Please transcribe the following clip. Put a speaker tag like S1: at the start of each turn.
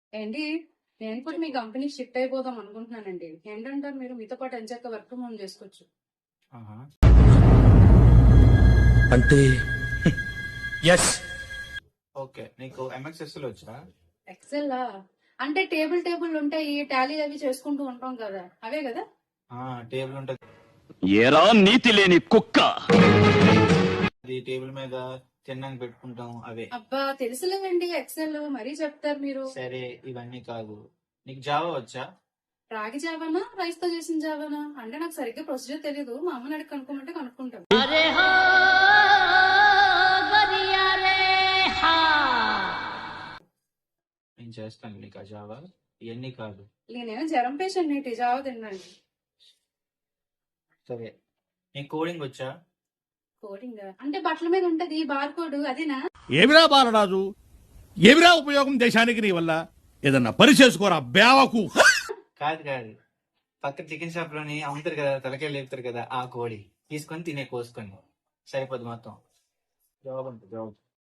S1: ఏంటి? నేను కూడా మీ కంపెనీ షిఫ్ట్ అయిపోదాం అనుకుంటున్నానండి. ఏంటంటారు మీరు? మీతో పాటు ఎంచక్క వర్క్ ఫ్రమ్ హోమ్ చేసుకోవచ్చు.
S2: ఆహా.
S3: అంటే ఎస్.
S2: ఓకే, నీకు ఎంఎస్ ఎక్సెల్ వచ్చా?
S1: ఎక్సెల్ అంటే టేబుల్ ఉంటాయి, టాలీ అవి చేసుకుంటూ ఉంటాం కదా, అవే కదా?
S2: టేబుల్ ఉంటది,
S3: ఏరా నీతి లేని కుక్క.
S2: అది టేబుల్ మీద తిన్నాక పెట్టుకుంటాం అవే.
S1: అబ్బా తెలుసులేదండి, ఎక్సెల్ మరీ చెప్తారు మీరు.
S2: సరే, ఇవన్నీ కాదు. నీకు జావా వచ్చా?
S1: రాగి జావానా, రైస్ తో చేసిన జావానా? అంటే నాకు సరిగ్గా ప్రొసీజర్ తెలియదు. మా అమ్మని అడిగి కనుక్కోమంటే కనుక్కుంటాం.
S2: నేను చేస్తాను నీకు ఆ జావా. ఇవన్నీ కాదు.
S1: నేనేమో జ్వరం పేషెంట్ ఏంటి జావా తిన్నాను.
S2: సరే, నీకు కోడింగ్ వచ్చా?
S1: కోడింగ్ అంటే బట్టల మీద ఉంటది బార్ కోడ్, అదేనా?
S4: ఏమిరా బాలరాజు, ఏమిరా ఉపయోగం దేశానికి నీ వల్ల? ఏదన్నా పని చేసుకోరా బేవకు.
S2: కాదు కాదు, పక్క చికెన్ షాప్ లోని అమ్ముతారు కదా, తలకాయ లేపుతారు కదా, ఆ కోడి తీసుకొని తినే కోసుకొని సరిపోద్ది మొత్తం. జాబ్ ఉంటుంది, జాబ్.